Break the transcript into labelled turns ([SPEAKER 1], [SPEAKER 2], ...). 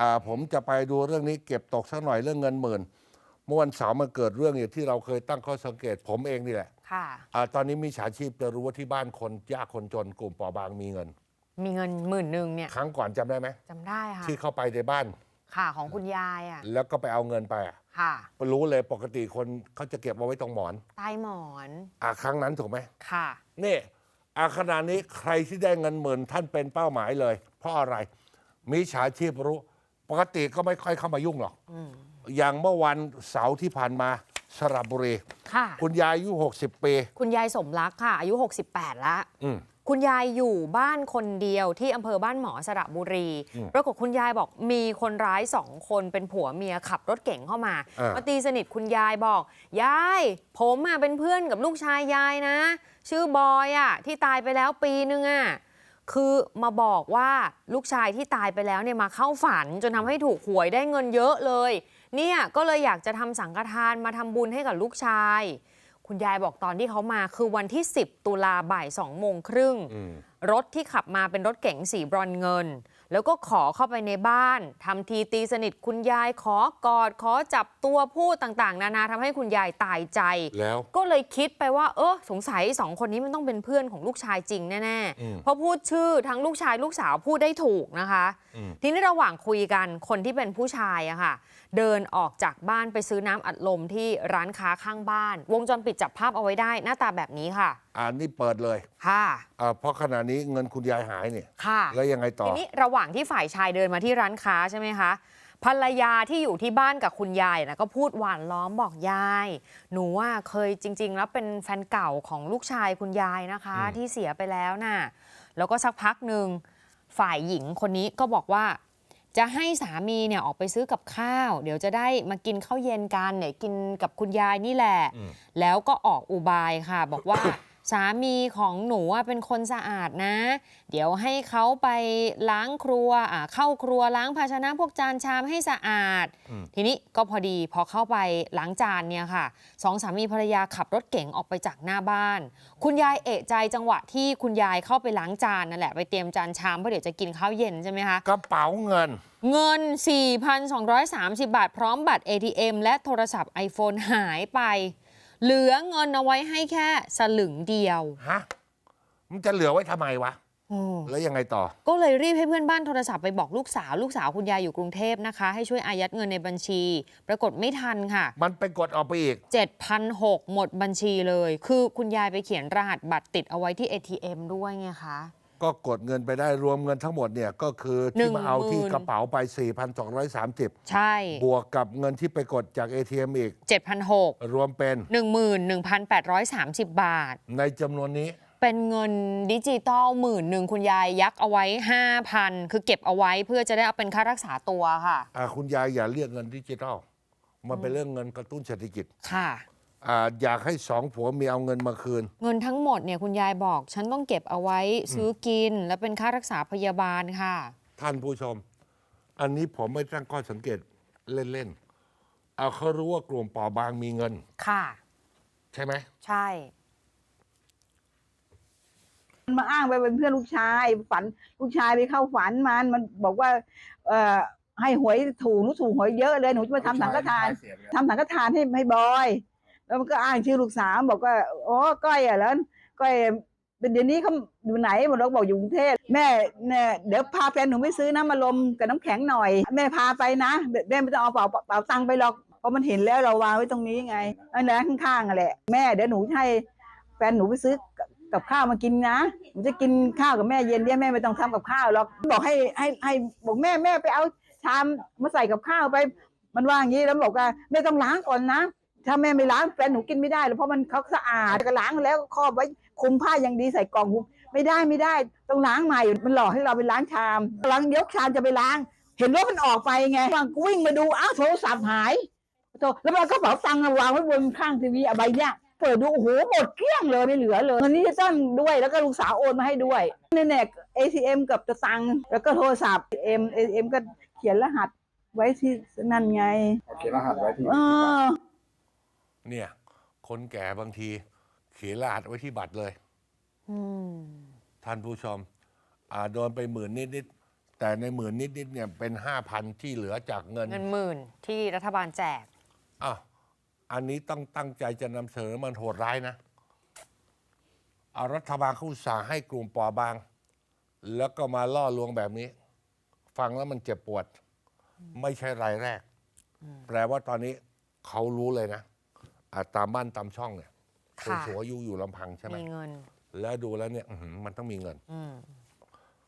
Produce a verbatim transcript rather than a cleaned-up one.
[SPEAKER 1] อ่าผมจะไปดูเรื่องนี้เก็บตกสักหน่อยเรื่องเงินหมื่นเมื่อวันเสาร์มันเกิดเรื่องอย่างที่เราเคยตั้งข้อสังเกตผมเองนี่แหละ
[SPEAKER 2] ค่ะ
[SPEAKER 1] อ่าตอนนี้มีฉาชีพจะรู้ว่าที่บ้านคนยากคนจนกลุ่มเปราะบางมีเงิน
[SPEAKER 2] มีเงินหมื่นหนึ่งเนี่ย
[SPEAKER 1] ครั้งก่อนจำได้ไหม
[SPEAKER 2] จำได้ค่ะ
[SPEAKER 1] ที่เข้าไปในบ้าน
[SPEAKER 2] ค่ะของคุณยายอ่ะ
[SPEAKER 1] แล้วก็ไปเอาเงินไปอ่ะ
[SPEAKER 2] ค่ะ
[SPEAKER 1] รู้เลยปกติคนเขาจะเก็บเอาไว้ตรงหมอน
[SPEAKER 2] ใต้หมอน
[SPEAKER 1] อ่าครั้งนั้นถูกไหม
[SPEAKER 2] ค่ะ
[SPEAKER 1] นี่อาขณะนี้ใครที่ได้เงินหมื่นท่านเป็นเป้าหมายเลย เพราะอะไรมีฉาชีพรู้ปกติก็ไม่ค่อยเข้ามายุ่งหรอกอย่างเมื่อวันเสาร์ที่ผ่านมาสระบุรี
[SPEAKER 2] ค่ะ
[SPEAKER 1] คุณยายอายุหกสิบปี
[SPEAKER 2] คุณยายสมรักค่ะอายุหกสิบแปดแล้ว
[SPEAKER 1] อืม
[SPEAKER 2] คุณยายอยู่บ้านคนเดียวที่อำเภอบ้านหมอสระบุรีปรากฏคุณยายบอกมีคนร้ายสองคนเป็นผัวเมียขับรถเก่งเข้ามามาตีสนิทคุณยายบอกยายผมอ่ะเป็นเพื่อนกับลูกชายยายนะชื่อบอยอ่ะที่ตายไปแล้วปีนึงอ่ะคือมาบอกว่าลูกชายที่ตายไปแล้วเนี่ยมาเข้าฝันจนทำให้ถูกหวยได้เงินเยอะเลยเนี่ยก็เลยอยากจะทำสังฆทานมาทำบุญให้กับลูกชายคุณยายบอกตอนที่เขามาคือวันที่สิบตุลาบ่ายสองโมงครึ่งรถที่ขับมาเป็นรถเก๋งสีบรอนเงินแล้วก็ขอเข้าไปในบ้านทำทีตีสนิทคุณยายขอกอดขอจับตัวพูดต่างๆนานาทำให้คุณยายตายใจ
[SPEAKER 1] แล้ว
[SPEAKER 2] ก็เลยคิดไปว่าเออสงสัยสองคนนี้มันต้องเป็นเพื่อนของลูกชายจริงแน่ๆเพราะพูดชื่อทั้งลูกชายลูกสาวพูดได้ถูกนะคะทีนี้ระหว่างคุยกันคนที่เป็นผู้ชายอะค่ะเดินออกจากบ้านไปซื้อน้ำอัดลมที่ร้านค้าข้างบ้านวงจรปิดจับภาพเอาไว้ได้หน้าตาแบบนี้ค่ะ
[SPEAKER 1] อ่านี่เปิดเลย
[SPEAKER 2] ค่ะ
[SPEAKER 1] อ่าเพราะขณะนี้เงินคุณยายหายเนี่ย
[SPEAKER 2] ค่ะ
[SPEAKER 1] แล้วยังไงต่อ
[SPEAKER 2] ทีนี้ระหว่างที่ฝ่ายชายเดินมาที่ร้านค้าใช่ไหมคะภรรยาที่อยู่ที่บ้านกับคุณยายนะก็พูดหวานล้อมบอกยายหนูว่าเคยจริงๆแล้วเป็นแฟนเก่าของลูกชายคุณยายนะคะที่เสียไปแล้วน่ะแล้วก็สักพักหนึ่งฝ่ายหญิงคนนี้ก็บอกว่าจะให้สามีเนี่ยออกไปซื้อกับข้าวเดี๋ยวจะได้มากินข้าวเย็นกันเนี่ยกินกับคุณยายนี่แหละแล้วก็ออกอุบายค่ะบอกว่า สามีของหนูเป็นคนสะอาดนะเดี๋ยวให้เขาไปล้างครัวอ่าเข้าครัวล้างภาชนะพวกจานชามให้สะอาดทีนี้ก็พอดีพอเข้าไปล้างจานเนี่ยค่ะสองสามีภรรยาขับรถเก๋งออกไปจากหน้าบ้านคุณยายเอะใจจังหวะที่คุณยายเข้าไปล้างจานนั่นแหละไปเตรียมจานชามเพราะเดี๋ยวจะกินข้าวเย็นใช่ไหมคะ
[SPEAKER 1] กระเป๋าเงิน
[SPEAKER 2] เงิน สี่พันสองร้อยสามสิบ บาทพร้อมบัตร เอ ที เอ็ม และโทรศัพท์ iPhone หายไปเหลือเงินเอาไว้ให้แค่สลึงเดียว
[SPEAKER 1] ฮะมันจะเหลือไว้ทำไมวะแล้วยังไงต่อ
[SPEAKER 2] ก็เลยรีบให้เพื่อนบ้านโทรศัพท์ไปบอกลูกสาวลูกสาวคุณยายอยู่กรุงเทพนะคะให้ช่วยอายัดเงินในบัญชีปรากฏไม่ทันค่ะ
[SPEAKER 1] มันไปกดออกไปอีก
[SPEAKER 2] เจ็ดพันหกร้อย หมดบัญชีเลยคือคุณยายไปเขียนรหัสบัตรติดเอาไว้ที่ เอ ที เอ็ม ด้วยไงคะ
[SPEAKER 1] ก็กดเงินไปได้รวมเงินทั้งหมดเนี่ยก็คือที่มาเอาที่กระเป๋าไป สี่พันสองร้อยสามสิบ
[SPEAKER 2] ใช่
[SPEAKER 1] บวกกับเงินที่ไปกดจาก เอ ที เอ็ม อีก
[SPEAKER 2] เจ็ดพันหกร้อย
[SPEAKER 1] รวมเป็น
[SPEAKER 2] หนึ่งหมื่นหนึ่งพันแปดร้อยสามสิบ บาท
[SPEAKER 1] ในจำนวนนี้
[SPEAKER 2] เป็นเงินดิจิตอลหมื่นหนึ่งคุณยายยักเอาไว้ ห้าพัน คือเก็บเอาไว้เพื่อจะได้เอาเป็นค่ารักษาตัวค่ะ
[SPEAKER 1] อ่าคุณยายอย่าเรียกเงินดิจิตอลมันเป็นเรื่องเงินกระตุ้นเศรษฐกิจ
[SPEAKER 2] ค่ะ
[SPEAKER 1] อ่าอยากให้สองผัวเมียเอาเงินมาคืน
[SPEAKER 2] เงินทั้งหมดเนี่ยคุณยายบอกฉันต้องเก็บเอาไว้ซื้อกินและเป็นค่ารักษาพยาบาลค่ะ
[SPEAKER 1] ท่านผู้ชมอันนี้ผมไม่ตั้งข้อสังเกตเล่นๆเอาเขารู้ว่ากลุ่มเปราะบางมีเงิน
[SPEAKER 2] ค่ะ
[SPEAKER 1] ใช่ไหม
[SPEAKER 2] ใช่
[SPEAKER 3] มันมาอ้างไปเป็นเพื่อนลูกชายฝันลูกชายไปเข้าฝันมันมันบอกว่าเอ่อให้หวยถูกหนูถูกหวยเยอะเลยหนูจะมาทำสังฆทานทำสังฆทานให้ให้บอยแล้วมันก็อ้างชื่อลูกสาวบอกว่าโอ้ก้อยอ่ะแล้วก้อยเป็นเดี๋ยวนี้เขาอยู่ไหนหมดเราบอกอยู่กรุงเทพแม่เนี่ยเดี๋ยวพาแฟนหนูไปซื้อน้ำมาลมกับน้ำแข็งหน่อยแม่พาไปนะแม่ไม่ต้องเอาเป๋าเป๋าตังค์ไปหรอกเพราะมันเห็นแล้วเราวางไว้ตรงนี้ไงอันนั้นข้างๆอ่ะแหละแม่เดี๋ยวหนูให้แฟนหนูไปซื้อกับข้าวมากินนะหนูจะกินข้าวกับแม่เย็นเนี่ยแม่ไม่ต้องทำกับข้าวหรอกบอกให้ให้ให้บอกแม่แม่ไปเอาชามมาใส่กับข้าวไปมันว่าอย่างนี้แล้วบอกว่าแม่ต้องล้างก่อนนะถ้าแม่ไม่ล้างแฟนหนูกินไม่ได้เพราะมันเขาสะอาดก็ล้างแล้วครอบไว้คุมผ้าอย่างดีใส่กล่องไม่ได้ไม่ได้ต้องล้างใหม่มันหลอกให้เราไปล้างชามล้างยกชามจะไปล้างเห็นว่ามันออกไปไงวางวิ่งมาดูอ้าวโทรศัพท์หายแล้วมันก็เป๋าตังค์วางไว้บนข้างทีวีอะไรเนี่ยเปิดดูโอ้โหหมดเกลี้ยงเลยไม่เหลือเลยเงินนี้จะต้องด้วยแล้วก็ลูกสาวโอนมาให้ด้วยเนี่ยเนี่ย เอ ที เอ็ม กับตะตังแล้วก็โทรศัพท์ เอ็ม เอ ที เอ็ม ก็เขียนรหัสไว้ที่นั่นไง
[SPEAKER 4] เขียนรหัสไว้ที่
[SPEAKER 1] เนี่ยคนแก่บางทีเขียนรหัสไว้ที่บัตรเลยท่านผู้ชมอ่าโดนไปหมื่นนิดๆแต่ในหมื่นนิดๆเนี่ยเป็นห้าพันที่เหลือจากเงิน
[SPEAKER 2] เงินหมื่นที่รัฐบาลแจก
[SPEAKER 1] อ้าวอันนี้ต้องตั้งใจจะนำเสนอมันโหดร้ายนะเอารัฐบาลเขาอุตส่าห์ให้กลุ่มปอบาง แล้วก็มาล่อลวงแบบนี้ ฟังแล้วมันเจ็บปวด ไม่ใช่รายแรก แปลว่าตอนนี้เขารู้เลยนะอ่ะตามบ้านตามช่องเนี่ยคน
[SPEAKER 2] ค่ะ
[SPEAKER 1] สูงอายุอยู่ลำพังใช่ไหม
[SPEAKER 2] มีเงิน
[SPEAKER 1] แล้วดูแล้วเนี่ยอื้อหือมันต้องมีเงิน
[SPEAKER 2] อืม